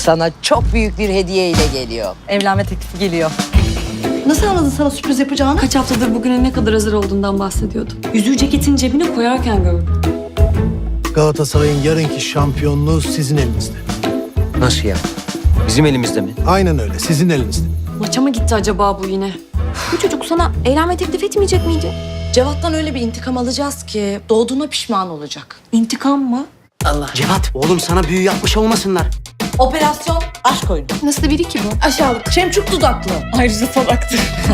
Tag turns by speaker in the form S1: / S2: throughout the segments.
S1: Sana çok büyük bir hediye ile geliyor.
S2: Evlenme teklifi geliyor.
S3: Nasıl anladın sana sürpriz yapacağını?
S4: Kaç haftadır bugüne ne kadar hazır olduğundan bahsediyordum. Yüzüğü ceketin cebine koyarken gördüm.
S5: Galatasaray'ın yarınki şampiyonluğu sizin elinizde.
S6: Nasıl ya? Bizim elimizde mi?
S5: Aynen öyle, sizin elinizde.
S4: Maça mı gitti acaba bu yine?
S7: Bu çocuk sana evlenme teklif etmeyecek miydi?
S3: Cevat'tan öyle bir intikam alacağız ki doğduğuna pişman olacak.
S4: İntikam mı?
S8: Cevat, oğlum sana büyü yapmış olmasınlar.
S3: Operasyon aşk oyunu.
S7: Nasıl biri ki bu?
S3: Aşağılık. Şemçuk dudaklı.
S4: Ayrıca salaktı.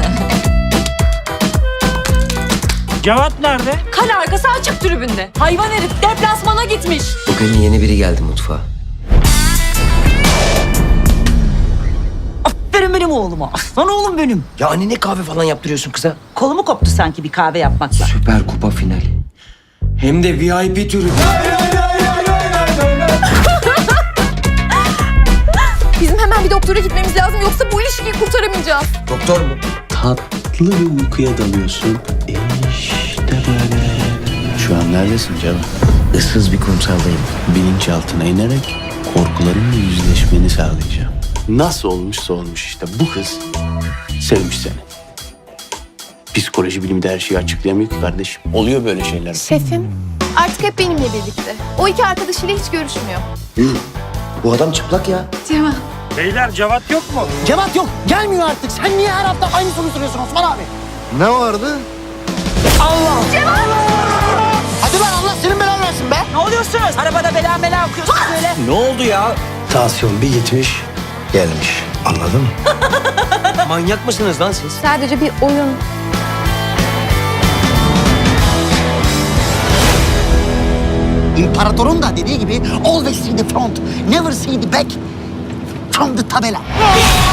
S9: Cevat nerede?
S4: Kale arkası açık tribünde. Hayvan herif deplasmana gitmiş.
S6: Bugün yeni biri geldi mutfağa.
S2: Aferin benim oğluma. Aslan oğlum benim.
S6: Ya anne ne kahve falan yaptırıyorsun kıza?
S2: Kolumu koptu sanki bir kahve yapmakla.
S6: Süper Kupa finali. Hem de VIP türü.
S7: Bizim hemen bir doktora gitmemiz lazım yoksa bu ilişkiyi kurtaramayacağız.
S6: Doktor mu?
S10: Tatlı bir uykuya dalıyorsun. İşte böyle. Şu an neredesin Cevat?
S6: Issız bir kumsaldayım.
S10: Bilinçaltına inerek korkularınla yüzleşmeni sağlayacağım. Nasıl olmuşsa olmuş işte bu kız sevmiş seni. Psikoloji bilimi de her şeyi açıklayamıyor ki kardeşim. Oluyor böyle şeyler.
S7: Şefim artık hep benimle birlikte. O iki arkadaşıyla hiç görüşmüyor.
S6: Bu adam çıplak ya.
S7: Cema.
S9: Beyler Cevat yok mu?
S8: Cevat yok, gelmiyor artık. Sen niye her hafta aynı soruyu soruyorsun Osman abi?
S5: Ne vardı?
S8: Hadi lan Allah senin belanı versin be.
S2: Ne oluyorsunuz? Arabada bela bela okuyorsunuz böyle.
S6: Ne oldu ya?
S5: Tansiyon bir gitmiş, gelmiş. Anladın mı?
S6: Manyak mısınız lan siz?
S7: Sadece bir oyun.
S8: İmparatorun da dediği gibi always see the front, never see the back from the tabela.